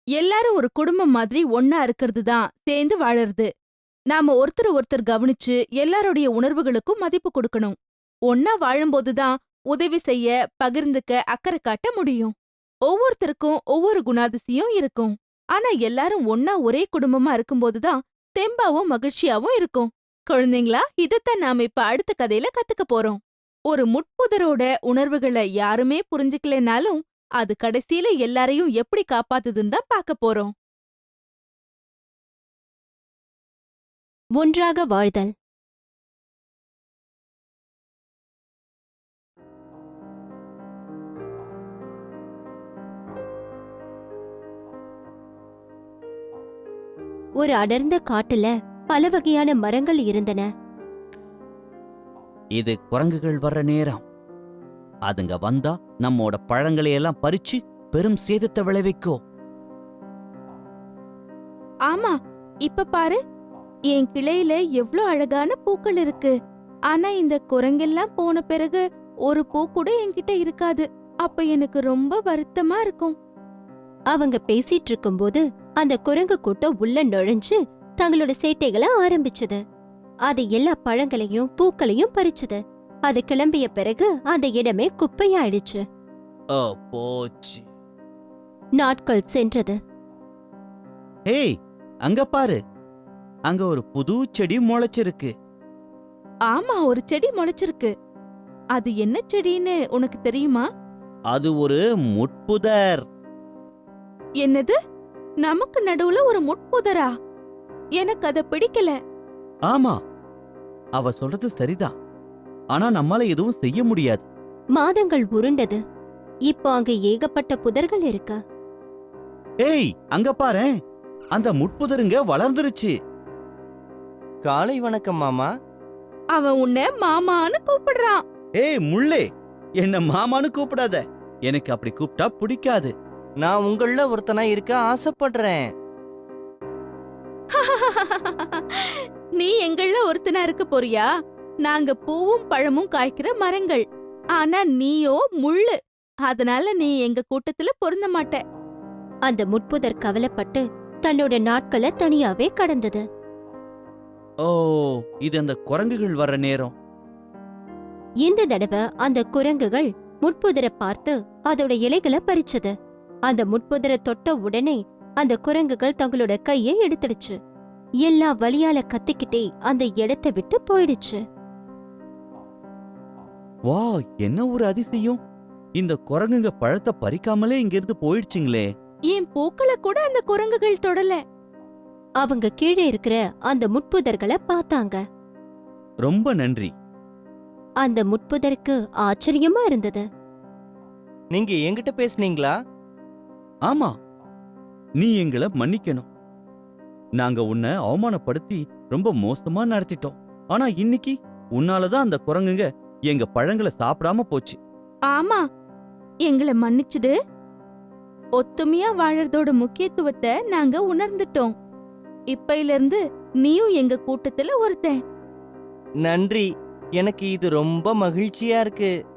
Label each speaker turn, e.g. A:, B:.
A: எல்லாரும் ஒரு குடும்பம் மாதிரி ஒன்னா இருக்கிறது தான் சேர்ந்து வாழறது. நாம ஒருத்தர் ஒருத்தர் கவனிச்சு எல்லாருடைய உணர்வுகளுக்கும் மதிப்பு கொடுக்கணும். ஒன்னா வாழும்போது தான் உதவி செய்ய, பகிர்ந்துக்க, அக்கறை காட்ட முடியும். ஒவ்வொருத்தருக்கும் ஒவ்வொரு குணாதிசயம் இருக்கும். ஆனா எல்லாரும் ஒன்னா ஒரே குடும்பமா இருக்கும்போது தான் தெம்பாவும் மகிழ்ச்சியாவும் இருக்கும். குழந்தைங்களா, இதத்தான் நாம இப்ப அடுத்த கதையில கத்துக்க போறோம். ஒரு முட்புதரோட உணர்வுகளை யாருமே புரிஞ்சுக்கலைனாலும் அது கடைசியில எல்லாரையும் எப்படி காப்பாத்துதுன்னு தான் பார்க்க போறோம்.
B: ஒன்றாக வாழ்தல். ஒரு அடர்ந்த காட்டுல பல வகையான மரங்கள் இருந்தன.
C: இது குரங்குகள் வர்ற நேரம். அதுங்க வந்தா நம்மோட பழங்களை எல்லாம் பறிச்சு பெரும் சேதத்தை விளைவிக்கும்.
A: ஆமா, இப்ப பாரு, என் கிளையில எவ்ளோ அழகான பூக்கள் இருக்கு. ஆனா இந்த குரங்கெல்லாம் போன பிறகு ஒரு பூ கூட என்கிட்ட இருக்காது. அப்ப எனக்கு ரொம்ப வருத்தமா இருக்கும்.
B: அவங்க பேசிட்டு இருக்கும்போது அந்த குரங்கு கூட்டம் உள்ள நுழைஞ்சு தங்களோட சேட்டைகளை ஆரம்பிச்சது. அது எல்லா பழங்களையும் பூக்களையும் பறிச்சது. அது கிளம்பிய பிறகு அந்த இடமே குப்பையாயிடுச்சு.
C: போச்சு.
B: நாட்கள் சென்றது.
C: ஏய், அங்க பாரு, அங்க ஒரு புது செடி முளைச்சிருக்கு.
A: ஆமா, ஒரு செடி முளைச்சிருக்கு. அது என்ன செடின்னு உனக்கு தெரியுமா?
C: அது ஒரு முட்புதர்.
A: என்னது? நமக்கு நடுவுல ஒரு முட்புதரா? எனக்கு அத பிடிக்கல.
C: ஆமா, அவ சொல்றது சரிதான். ஆனா நம்மால எதுவும் செய்ய முடியாது.
B: மாதங்கள் உருண்டது. இப்போ அங்க ஏகப்பட்ட புதர்கள் இருக்கு.
C: ஏய், அங்க பாரேன், அந்த முட்புதருங்க வளர்ந்துருச்சு.
D: காலை வணக்கம் மாமா.
A: அவன் உன்னை மாமான்னு கூப்பிடுறான்.
C: ஏய் முள்ளே, என்ன மாமான்னு கூப்பிடாத. எனக்கு அப்படி கூப்பிட்டா பிடிக்காது.
D: நான் உங்கள ஒருத்தனா இருக்க ஆசைப்படுறேன்.
A: நீ எங்கள ஒருத்தனா இருக்க போறியா? நாங்க பூவும் பழமும் காய்க்கிற மரங்கள். ஆனா நீயோ முள்ளு. அதனால நீ எங்க கூட்டத்துல பொருந்த மாட்ட.
B: அந்த முட்புதர் கவலைப்பட்டு தன்னோட நாட்களை தனியாவே கடந்தது.
C: ஓ, இது அந்த குரங்குகள் வர்ற நேரம்.
B: இந்த தடவை அந்த குரங்குகள் முட்புதரை பார்த்து அதோட இலைகளை பறிச்சது. அந்த முட்புதரை தொட்ட உடனே அந்த குரங்குகள் தங்களோட கையை எடுத்துடுச்சு. எல்லா வலியால கத்திக்கிட்டே அந்த இடத்தை விட்டு போயிடுச்சு.
C: வா, என்ன ஒரு அதிசயம்! இந்த குரங்குங்க பழத்தை பறிக்காமலே இங்கிருந்து போயிடுச்சுங்களே.
A: என் பூக்களை கூட அந்த குரங்குகள் தொடல.
B: அவங்க கீழே இருக்கிற அந்த முட்புதர்களை பார்த்தாங்க.
C: ரொம்ப நன்றி.
B: அந்த முட்புதருக்கு ஆச்சரியமா இருந்தது.
D: நீங்க என்கிட்ட பேசுனீங்களா?
C: ஆமா, நீ எங்களை மன்னிக்கணும். நாங்க உன்னை அவமானப்படுத்தி ரொம்ப மோசமா நடத்திட்டோம். ஆனா இன்னைக்கு உன்னாலதான் அந்த குரங்குங்க எங்க பழங்களை சாப்பிடாம போச்சு.
A: ஆமா, எங்களை மன்னிச்சுடு. ஒத்துமையா வாழறதோட முக்கியத்துவத்தை நாங்க உணர்ந்துட்டோம். இப்பையில இருந்து நீயும் எங்க கூட்டத்துல ஒருத்தன்.
D: நன்றி. எனக்கு இது ரொம்ப மகிழ்ச்சியா இருக்கு.